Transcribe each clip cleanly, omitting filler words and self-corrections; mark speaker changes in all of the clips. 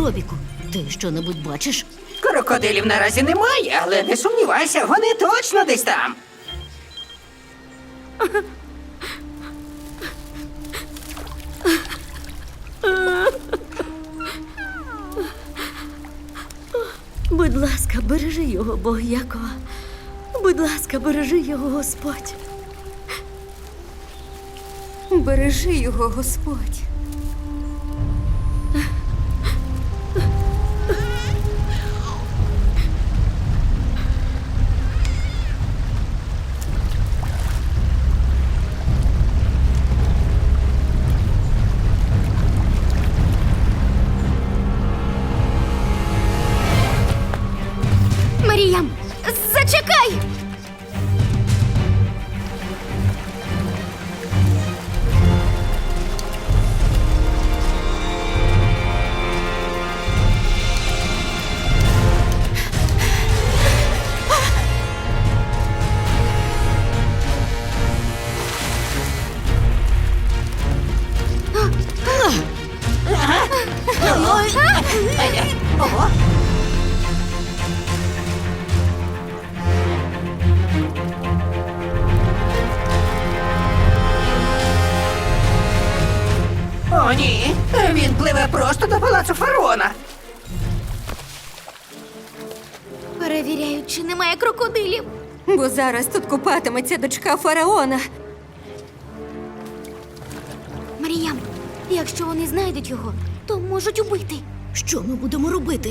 Speaker 1: Робіку, ти що-небудь бачиш?
Speaker 2: Крокодилів наразі немає, але не сумнівайся, вони точно десь там.
Speaker 1: Будь ласка, бережи його, Бог Якова. Будь ласка, бережи його, Господь.
Speaker 3: Бережи його, Господь.
Speaker 4: Маріям, зачекай!
Speaker 2: Ого! О, ні! Він пливе просто до палацу фараона.
Speaker 4: Перевіряють, чи немає крокодилів.
Speaker 3: Бо зараз тут купатиметься дочка фараона.
Speaker 4: Маріям, якщо вони знайдуть його, то можуть убити.
Speaker 1: Що ми будемо робити?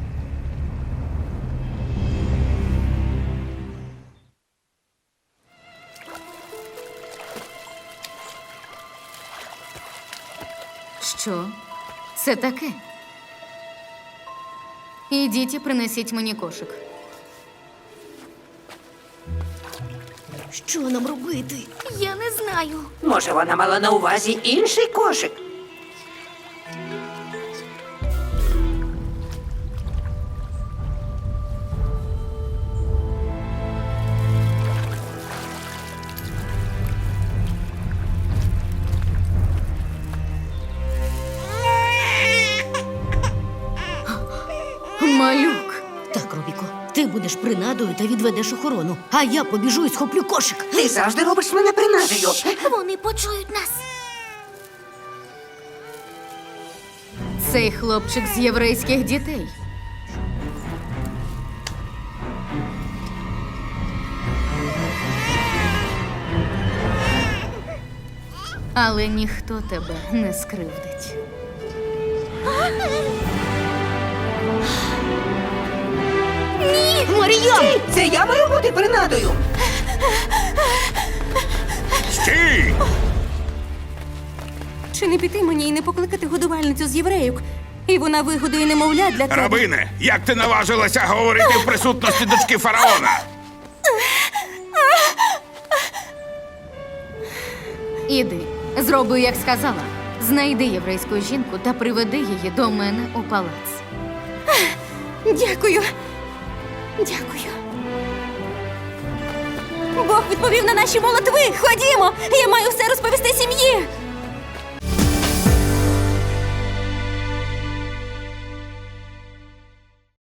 Speaker 5: Що це таке? Ідіть і принесіть мені кошик.
Speaker 1: Що нам робити?
Speaker 4: Я не знаю.
Speaker 2: Може, вона мала на увазі інший кошик?
Speaker 5: Малюк.
Speaker 1: Так, Робіко, ти будеш принадою та відведеш охорону, а я побіжу і схоплю кошик.
Speaker 2: Ти завжди робиш мене принадою.
Speaker 4: Вони почують нас.
Speaker 5: Цей хлопчик з єврейських дітей. Але ніхто тебе не скривдить.
Speaker 1: Маріям!
Speaker 2: Це я маю бути принадою.
Speaker 6: Стій!
Speaker 3: Чи не піти мені і не покликати годувальницю з євреїк? І вона вигодує немовля для тебе.
Speaker 6: Рабине, як ти наважилася говорити в присутності дочки фараона?
Speaker 5: Іди, зроби, як сказала. Знайди єврейську жінку та приведи її до мене у палац.
Speaker 3: Дякую. Дякую. Бог відповів на наші молитви. Ходімо! Я маю все розповісти сім'ї.